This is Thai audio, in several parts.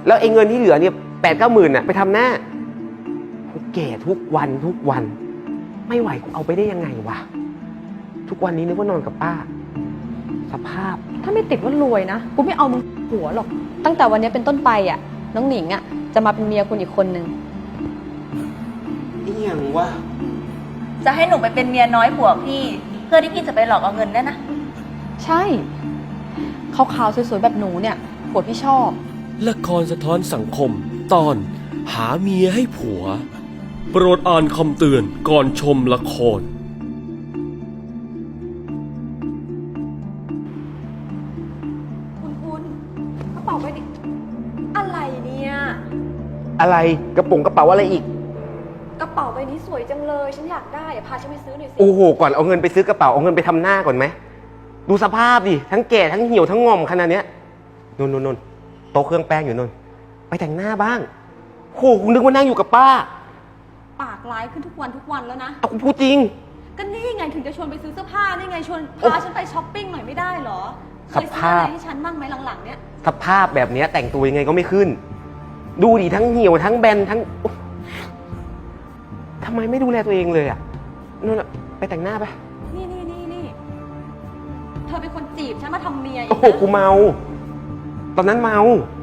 แล้วไอ้เงินที่เหลือเนี่ย8-9 หมื่นน่ะไปทำหน้ากูแก่ทุกวันทุกวันไม่ไหวกูเอาไปได้ยังไงวะทุกวันนี้นึกว่านอนกับป้าสภาพถ้าไม่ติดว่ารวยนะกูไม่เอามึงหัวหรอกตั้งแต่วันนี้เป็นต้นไปอ่ะน้องหนิงอ่ะจะมาเป็นเมียคุณอีกคนนึงอีหยังวะจะให้หนูไปเป็นเมียน้อยผัวพี่เพื่อที่พี่จะไปหลอกเอาเงินได้นะใช่ขาวๆสวยๆแบบหนูเนี่ยผัวพี่ชอบละครสะท้อนสังคมตอนหาเมียให้ผัวโปรดอ่านคำเตือนก่อนชมละครคุณกระเป๋าไปดิอะไรเนี่ยอะไรกระเป๋าอะไรอีกกระเป๋าใบนี้สวยจังเลยฉันอยากได้พาฉันไปซื้อหน่อยสิโอ้โหก่อนเอาเงินไปซื้อกระเป๋าเอาเงินไปทำหน้าก่อนไหมดูสภาพดิทั้งแก่ทั้งเหี่ยวทั้งงอมขนาดเนี้ยนนโต๊ะเครื่องแป้งอยู่นนไปแต่งหน้าบ้างโหกูนึกว่านั่งอยู่กับป้าปากร้ายขึ้นทุกวันแล้วนะเอากูพูดจริงก็นี่ไงถึงจะชวนไปซื้อเสื้อผ้านี่ไงชวนพาฉันไปช้อปปิ้งหน่อยไม่ได้เหรอเคยซื้ออะไรให้ฉันบ้างไหมหลังๆเนี้ยสภาพแบบเนี้ยแต่งตัวยังไงก็ไม่ขึ้นดูดิทั้งเหี่ยวทั้งแบนทั้งทำไมไม่ดูแลตัวเองเลยอ่ะนู่นไปแต่งหน้าไปนี่เธอเป็นคนจีบฉันมาทำเมียโอ้โหกูเมาตอนนั้นเมา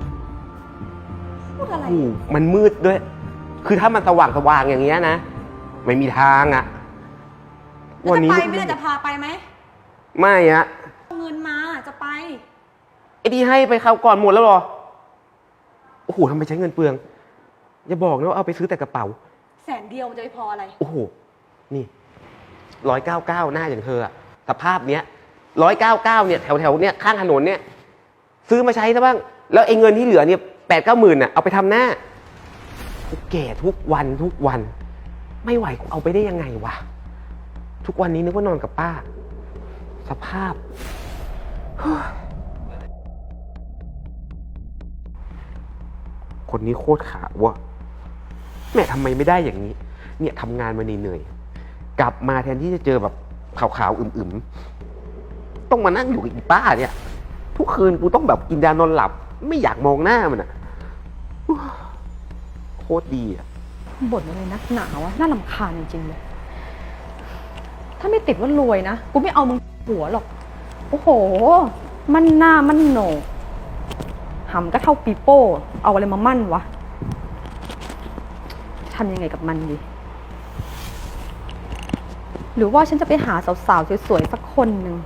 พูดอะไรมันมืดด้วยคือถ้ามันสว่างอย่างเงี้ยนะไม่มีทางอ่ะวันนี้ไม่ได้จะพาไปไหมไม่อะเงินมาจะไปไอ้ที่ให้ไปคราวก่อนหมดแล้วหรอโอ้โหทำไมใช้เงินเปลืองอย่าบอกนะว่าเอาไปซื้อแต่กระเป๋า 100,000มันจะไม่พออะไรโอ้โหนี่199หน้าอย่างเธออะสภาพเนี้ย199เนี่ยแถวเนี่ยข้างถนนเนี่ยซื้อมาใช้ซะบ้างแล้วไอ้เงินที่เหลือเนี่ย8-9 หมื่นน่ะเอาไปทำหน้ากูแก่ทุกวันทุกวันไม่ไหวกูเอาไปได้ยังไงวะทุกวันนี้นึกว่านอนกับป้าสภาพคนนี้โคตรขาวว่ะแม่ทำไมไม่ได้อย่างนี้เนี่ยทำงานมาเหนื่อยๆกลับมาแทนที่จะเจอแบบขาวๆอึมๆต้องมานั่งอยู่กับอีป้าเนี่ยทุกคืนกูต้องแบบกินยานอนหลับไม่อยากมองหน้ามันอ่ะโคตรดีอ่ะบ่นอะไรนักหนาวะน่ารำคาญจริงๆเลยถ้าไม่ติดว่ารวยนะกูไม่เอามึงหัวหรอกโอ้โหมันหน้ามันโหนกหำก็เท่าปีโป้เอาอะไรมามั่นวะทำยังไงกับมันดีหรือว่าฉันจะไปหาสาวๆสวยๆสักคนหนึ่ง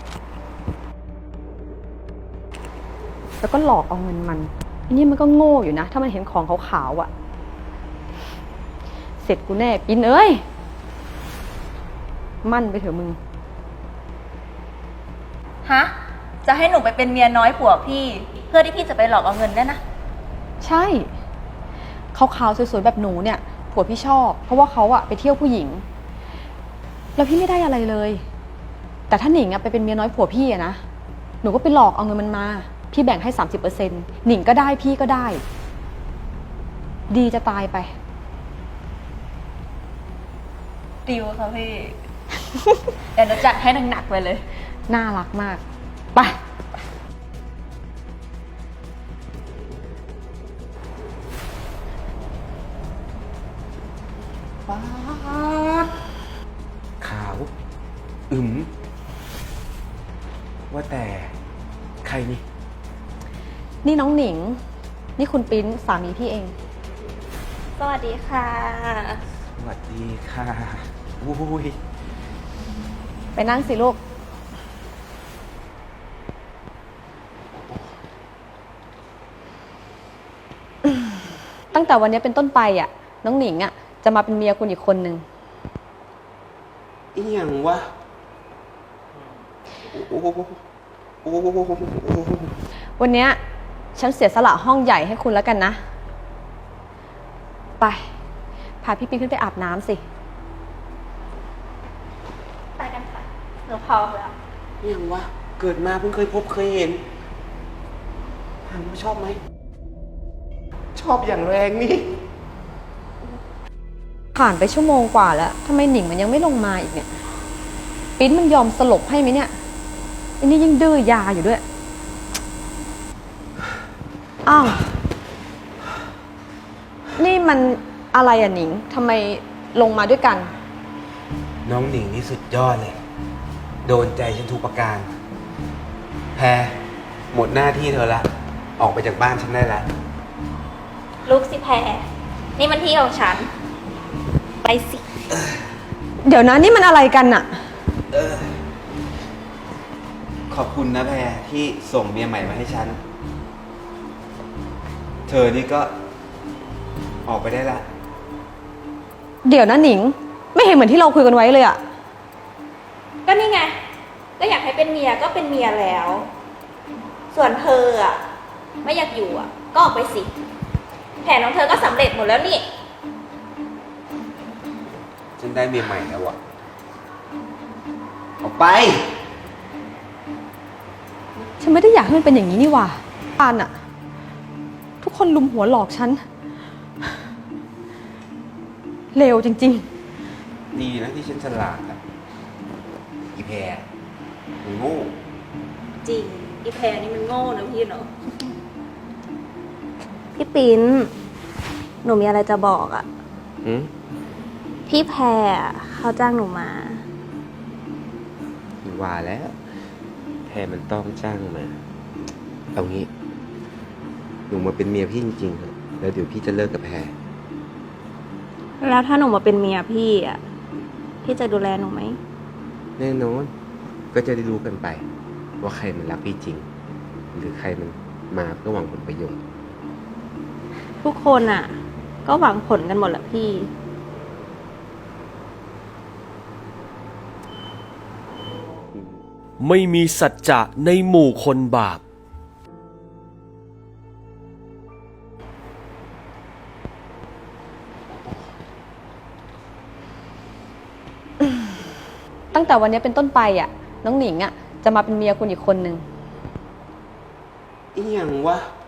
แล้วก็หลอกเอาเงินมันอันนี้มันก็โง่อยู่นะถ้ามันเห็นของขาวๆอ่ะเสร็จกูแน่ปินเอ้ยมั่นไปเถอะมึงฮะจะให้หนูไปเป็นเมียน้อยผัวพี่เพื่อที่พี่จะไปหลอกเอาเงินได้นะใช่ขาวๆสวยๆแบบหนูเนี่ยผัวพี่ชอบเพราะว่าเขาอะไปเที่ยวผู้หญิงแล้วพี่ไม่ได้อะไรเลยแต่ถ้าหนิงอะไปเป็นเมียน้อยผัวพี่อะนะหนูก็ไปหลอกเอาเงินมันมาพี่แบ่งให้ 30% หนิงก็ได้พี่ก็ได้ดีจะตายไปดิวค่ะพี่ เดี๋ยวเราจัดให้หนักๆไปเลยน่ารักมากไปป๊าดขาวว่าแต่ใครนี่นี่น้องหนิงนี่คุณปิ๊นสามีพี่เองสวัสดีค่ะสวัสดีค่ะอุ้ยไปนั่งสิลูกตั้งแต่วันนี้เป็นต้นไปอ่ะน้องหนิงอ่ะจะมาเป็นเมียคุณอีกคนนึงอีหยังวะวันนี้ฉันเสียสละห้องใหญ่ให้คุณแล้วกันนะไปพาพี่ปิ๊นขึ้นไปอาบน้ำสิไปกันค่ะหนูพร้อมแล้วอีหยังวะเกิดมาเพิ่งเคยพบเคยเห็นถามว่าชอบไหมชอบอย่างแรงนี่ผ่านไปชั่วโมงกว่าแล้วทำไมหนิงมันยังไม่ลงมาอีกเนี่ยปิ๊นมันยอมสลบให้ไหมเนี่ยอันนี้ยังดื้อยาอยู่ด้วยอ้าวนี่มันอะไรอ่ะหนิงทำไมลงมาด้วยกันน้องหนิงนี่สุดยอดเลย โดนใจฉันทุกประการ แพรหมดหน้าที่เธอละ ออกไปจากบ้านฉันได้ละลุกสิแพรนี่มันที่ของฉัน ไปสิเดี๋ยวนะนี่มันอะไรกันอะขอบคุณนะแพรที่ส่งเมียใหม่มาให้ฉัน เธอนี่ก็ออกไปได้ละเดี๋ยวนะหนิง ไม่เห็นเหมือนที่เราคุยกันไว้เลยอะก็นี่ไง ก็อยากให้เป็นเมียก็เป็นเมียแล้ว ส่วนเธออ่ะ ไม่อยากอยู่อ่ะ ก็ออกไปสิ แผนของเธอก็สำเร็จหมดแล้วนี่ฉันได้เมียใหม่แล้วอะออกไปฉันไม่ได้อยากให้มันเป็นอย่างนี้นี่หว่าปานอะทุกคนลุมหัวหลอกฉันเลวจริงดีนะที่ฉันฉลาดอะอีแพรมึงโง่จริง อีแพรนี่มันโง่นะพี่เนาะ พี่ปิ้น หนูมีอะไรจะบอกอ่ะหืมพี่แพรเขาจ้างหนูมาว่าแล้ว แพรมันต้องจ้างมา เอางี้ หนูมาเป็นเมียพี่จริงๆเถอะแล้วเดี๋ยวพี่จะเลิกกับแพรแล้วถ้าหนูมาเป็นเมียพี่อ่ะ พี่จะดูแลหนูไหมแน่นอน ก็จะได้รู้กันไป ว่าใครมันรักพี่จริง หรือใครมันมาเพื่อหวังผลประโยชน์ทุกคนอ่ะ ก็หวังผลกันหมดแหละพี่ไม่มีสัจจะในหมู่คนบาปๆ ตั้งแต่วันนี้เป็นต้นไปอะน้องหนิงอะจะมาเป็นเมียคุณอีกคนนึงอีหยังวะ